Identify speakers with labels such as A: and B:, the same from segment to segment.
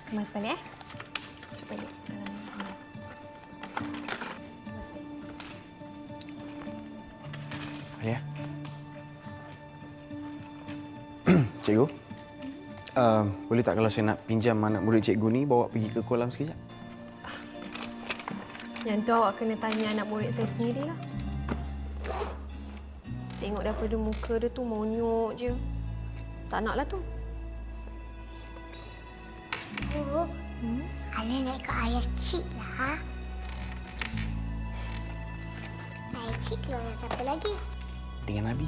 A: Kemas balik, Masuk balik. Kemas balik.
B: Alia. Cikgu. Boleh tak kalau saya nak pinjam anak murid cikgu ni bawa pergi ke kolam sekejap?
A: Yang tu awak kena tanya anak murid saya sendirilah. Tengok daripada muka dia tu monyok je. Tak naklah tu.
C: Cikgu, Alia nak ikut ayah Cik lah. Ayah Cik keluar dengan siapa lagi?
B: Dengan Nabi.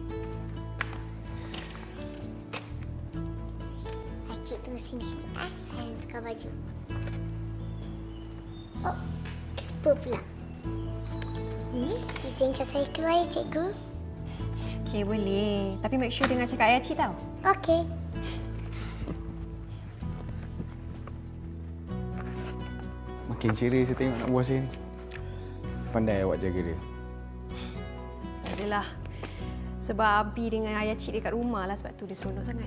C: Ayah Cik tunggu sini sikit. Ayah nak tukar baju. Oh, kenapa pula? Izinkan saya keluar ya, Cikgu?
A: Okey, boleh. Tapi make sure dengan cakap ayah cik tau.
C: Okey.
B: Makin ceria saya tengok anak buah saya ni. Pandai awak jaga dia.
A: Adalah. Sebab Abi dengan ayah cik dekat rumah lah, sebab tu dia seronok sangat.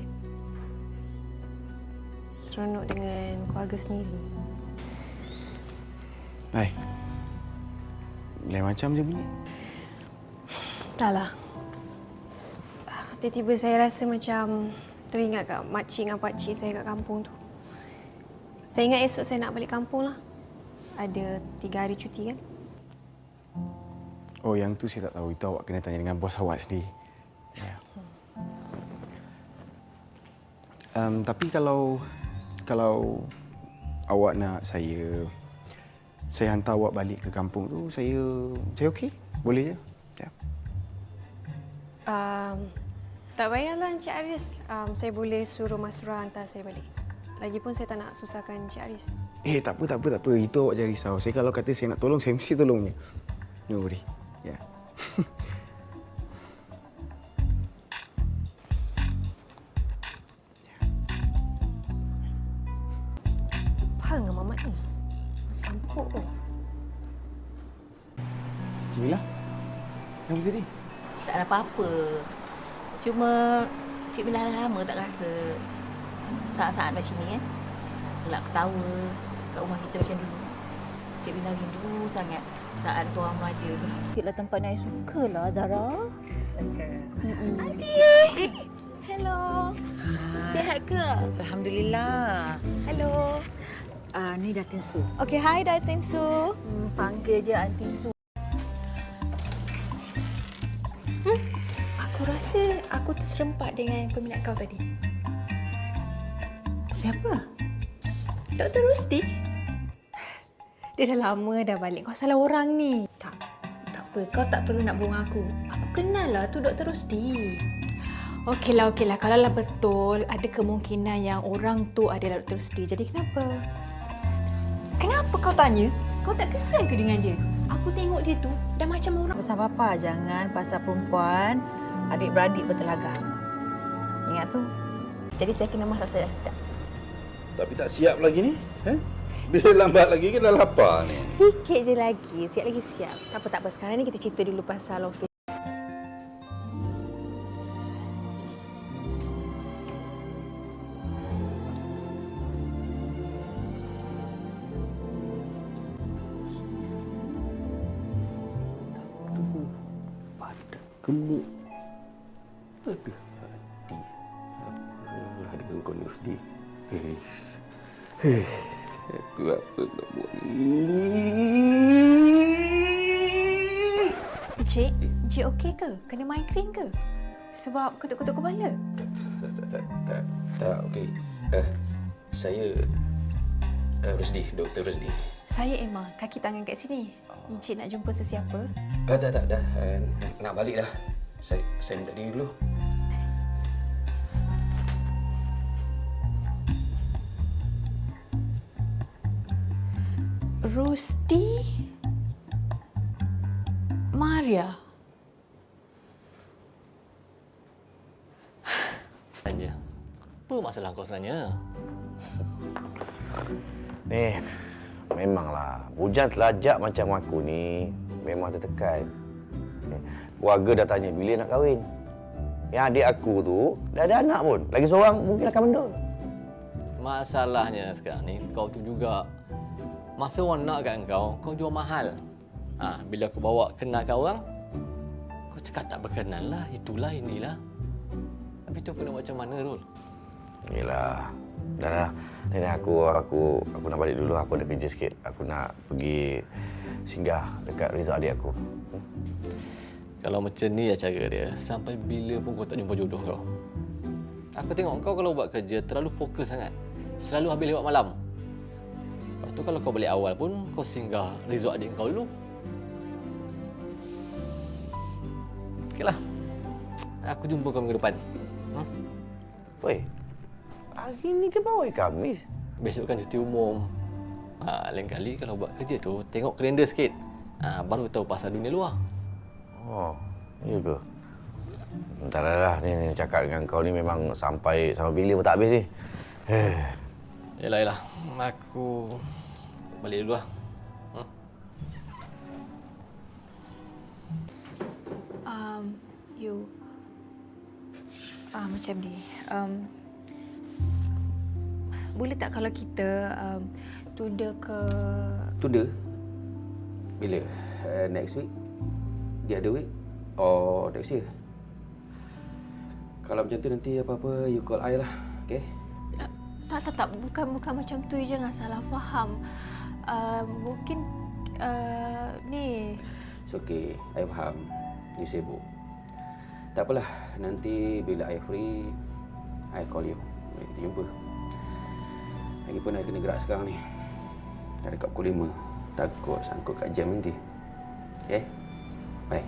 A: Seronok dengan keluarga sendiri.
B: Hai. Lain macam je bunyi.
A: Taklah. Tiba-tiba saya rasa macam teringat kat makcik dengan pakcik saya kat kampung tu. Saya ingat esok saya nak balik kampung lah. Ada 3 hari cuti kan?
B: Oh, yang tu saya tak tahu. Itu awak kena tanya dengan bos awak sendiri. Ya. Tapi kalau awak nak saya hantar awak balik ke kampung tu, saya okey. Boleh je. Ya.
A: Tak payahlah Encik Aris. Saya boleh suruh Mas Surah hantar saya balik. Lagipun saya tak nak susahkan Encik Aris.
B: Tak apa. Itu awak jangan risau. Saya kalau kata saya nak tolong, saya mesti tolongnya. No worry. Ya.
A: Apa dengan Mamat ni? Sampuk tu.
B: Bismillah. Kenapa tadi?
D: Tak ada apa-apa. Cuma Cik Bila dah lama tak rasa saat-saat macam ni kan. Gelak ketawa kat rumah kita macam dulu. Cik Bila rindu sangat saat tuan meraja tu.
E: Sikitlah tempat yang I suka lah, Zara.
D: Aunty! Hello. Sihat ke?
E: Alhamdulillah.
D: Hello.
E: Ni Datin Su.
D: Okay, hi Datin Su.
E: Panggil je Aunty Su.
F: Aku rasa aku terserempak dengan peminat kau tadi.
A: Siapa?
F: Dr. Rusdi?
A: Dia dah lama dah balik. Kau salah orang ni.
F: Tak apa. Kau tak perlu nak bohong aku. Aku kenal lah tu Dr. Rusdi.
A: Okeylah. Kalau lah betul, ada kemungkinan yang orang tu adalah Dr. Rusdi. Jadi kenapa?
F: Kenapa kau tanya? Kau tak kesal ke dengan dia? Aku tengok dia tu dah macam orang.
E: Pesan Papa, jangan pasal perempuan, adik-beradik bertelagah. Ingat tu.
D: Jadi saya kena masak saya dah sedap.
G: Tapi tak siap lagi ni. Bila lambat lagi ke dah lapar ni.
A: Sikit je lagi. Siap lagi siap. Tak apa. Sekarang ni kita cerita dulu pasal office.
G: Pada gemuk. Ada hati. Apalah dengan kau ni Rusdi. Aku apa nak buat ni?
F: Encik okey ke? Kena migraine ke? Sebab ketuk-ketuk kepala?
G: Tak, okey. Saya Rusdi, Dr. Rusdi.
F: Saya Emma, kaki tangan kat sini. Encik nak jumpa sesiapa?
G: Tak, dah. Nak balik dah. Saya minta diri dulu.
F: Rusdi? Maria?
H: Tanya. Apa masalah kau sebenarnya?
I: Ni, memanglah. Bujang telajak macam aku ni memang tertekan. Keluarga dah tanya bila nak kahwin. Yang adik aku tu dah ada anak pun. Lagi seorang mungkin akan mendul.
H: Masalahnya sekarang ni, kau tu juga. Masa orang nak kat kau jual mahal. Bila aku bawa kenal kat orang, kau cakap tak berkenan lah, itulah, inilah. Habis tu aku nak macam mana, Rul?
I: Yelah. Dah. Ni aku nak balik dulu. Aku ada kerja sikit. Aku nak pergi singgah dekat resort adik aku.
H: Kalau macam ni lah cara dia, sampai bila pun kau tak jumpa jodoh kau. Aku tengok kau kalau buat kerja terlalu fokus sangat. Selalu habis lewat malam. Lepas tu kalau kau balik awal pun, kau singgah resort adik kau dulu. Okeylah. Aku jumpa kau minggu depan.
I: Woi, hari ni ke bawah Khamis?
H: Besok kan cuti umum. Lain kali kalau buat kerja tu, tengok kalender sikit. Baru tahu pasal dunia luar.
I: Oh, iya ke? Entahlah, ni cakap dengan kau ni memang sampai bila pun tak habis ni.
H: Yelah. Aku balik dulu lah.
A: Macam ni. Boleh tak kalau kita tunda ke...
J: Tunda? Bila? Next week? The other week? Or next year? Kalau macam tu nanti apa-apa you call I lah. Okay?
A: Tak. Bukan macam tu. Jangan salah faham. Mungkin ni...
J: It's okay. I faham. You sibuk. Tak apalah. Nanti bila I free, I call you. Kita jumpa. Lagipun I kena gerak sekarang ni. Dah dekat pukul 5. Takut sangkut kat jam nanti. Okay? Bye.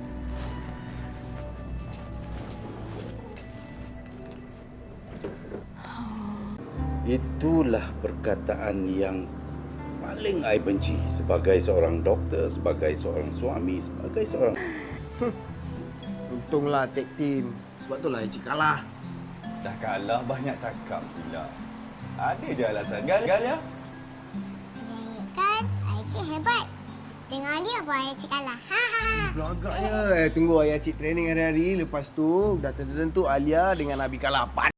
G: Itulah perkataan yang paling I benci sebagai seorang doktor, sebagai seorang suami, sebagai seorang...
B: Untunglah tag team. Sebab itulah Encik kalah.
K: Dah kalah banyak cakap pula. Ada je alasan. Gal ya?
C: Kan, Cik hebat. Tengok Ali apa Cik kalah.
B: Agaknya. Tunggu ayah Cik training hari-hari. Lepas tu dah tentu-tentu Alia dengan Abi kalah.